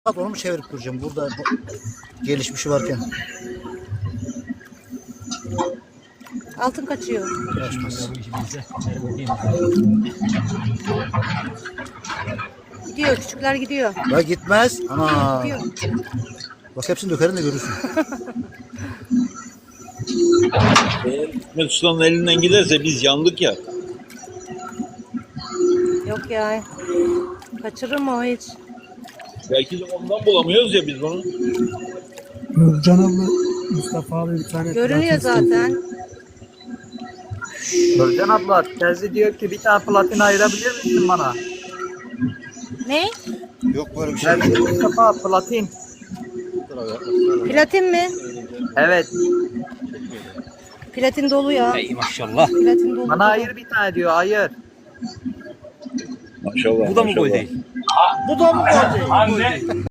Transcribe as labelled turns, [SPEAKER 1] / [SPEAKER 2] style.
[SPEAKER 1] Bak onu mu çevirip duracağım burada gelişmişi varken.
[SPEAKER 2] Altın kaçıyor.
[SPEAKER 1] Kaçmaz.
[SPEAKER 2] Gidiyor, küçükler gidiyor.
[SPEAKER 1] Ya gitmez. Ana.
[SPEAKER 2] Gidiyor.
[SPEAKER 1] Bak hepsini dökerim de görürsün.
[SPEAKER 3] Eğer Hikmet Usta'nın elinden giderse biz yandık ya.
[SPEAKER 2] Yok ya. Kaçırır mı o hiç?
[SPEAKER 3] Belki de ondan bulamıyoruz ya biz bunu.
[SPEAKER 4] Nurcan abla Mustafa abi bir tane
[SPEAKER 2] Görünüyor zaten.
[SPEAKER 5] Nurcan abla terzi diyor ki bir tane platin ayırabilir misin bana?
[SPEAKER 2] Ne?
[SPEAKER 1] Yok böyle bir şey.
[SPEAKER 5] Terzi Mustafa platin.
[SPEAKER 2] Platin mi?
[SPEAKER 5] Evet.
[SPEAKER 2] Platin dolu ya.
[SPEAKER 6] Ey maşallah.
[SPEAKER 2] Platin dolu.
[SPEAKER 5] Bana ayır bir tane diyor ayır.
[SPEAKER 3] Maşallah.
[SPEAKER 6] Bu da mı gol
[SPEAKER 3] maşallah.
[SPEAKER 6] değil?
[SPEAKER 1] Bu da mı gol değil?